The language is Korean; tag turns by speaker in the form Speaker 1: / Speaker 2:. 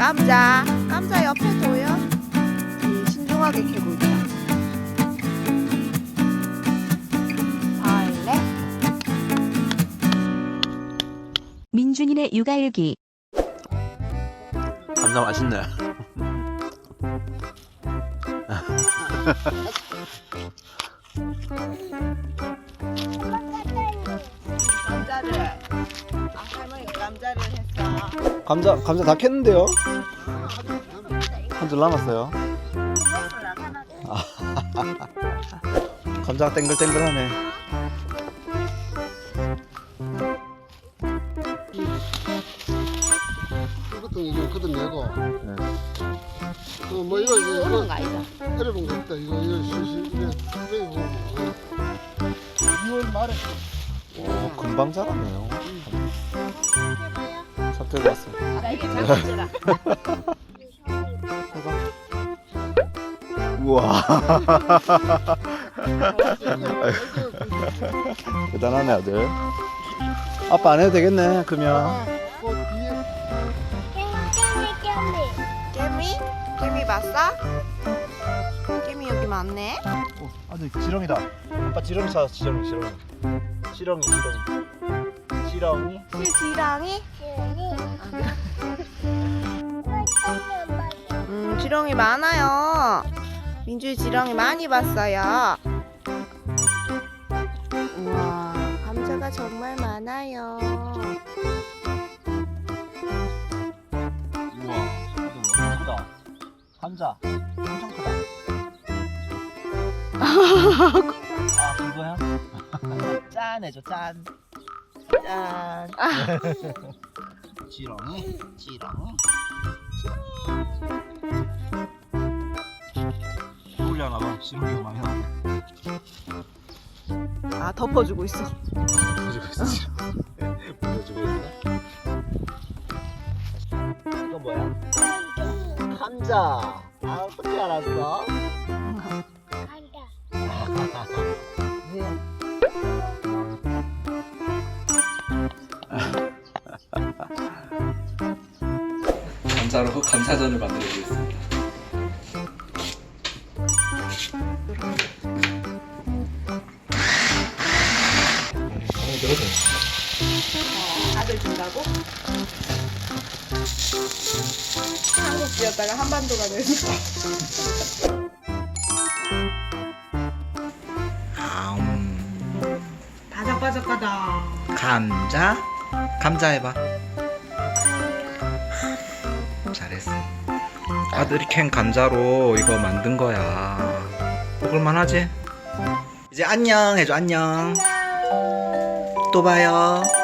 Speaker 1: 감자 옆에 둬요. 신중하게 캐고 있다. 벌레.
Speaker 2: 민준이네 육아일기.
Speaker 3: 감자 맛있네.
Speaker 1: 감자를. 할머니가 감자를 했어.
Speaker 3: 감자 다 캤는데요? 한 줄 남았어요. 감자가 땡글땡글하네.
Speaker 4: 이것도 이거 걷어내고
Speaker 3: 네.
Speaker 4: 뭐 이거
Speaker 1: 오는 거 아니다.
Speaker 4: 때려본 거 있다 이거 실실 이거 보고 2월 말에
Speaker 3: 오, 금방 자라네요. 삽 왔어.
Speaker 1: 나 이게 장난치라.
Speaker 3: 우와. 대단하네 아들. 아빠 안 해도 되겠네 그러면.
Speaker 4: 그 뒤에
Speaker 1: 깨미 봤어? 깨미 여기 많네.
Speaker 3: 아들 지렁이다. 아빠 지렁이 찾았어. 지렁이. 지렁이.
Speaker 1: 지렁이? 지렁이 많아요. 민주이 지렁이 많이 봤어요. 우와, 감자가 정말 많아요.
Speaker 3: 우와. 아들 크다. 감자 엄청 크다. 아 그거야? 짠 해줘 짠. 짠. 지렁이. 올려놔봐. 지렁이가 많이 나와.
Speaker 1: 아, 덮어주고 있어.
Speaker 3: 보여주고 있어. 보여주고 있어. 이거 뭐야? 감자. 아 어떻게 알았어?
Speaker 5: 감자로 감자전을 만들어 보겠습니다.
Speaker 1: 아들 준다고? 한국지였다가 한반도가 됐어. 바삭바삭하다.
Speaker 5: 감자 해봐. 잘했어. 아들이 캔 감자로 이거 만든 거야. 먹을만하지? 이제 안녕 해줘. 안녕. 또 봐요.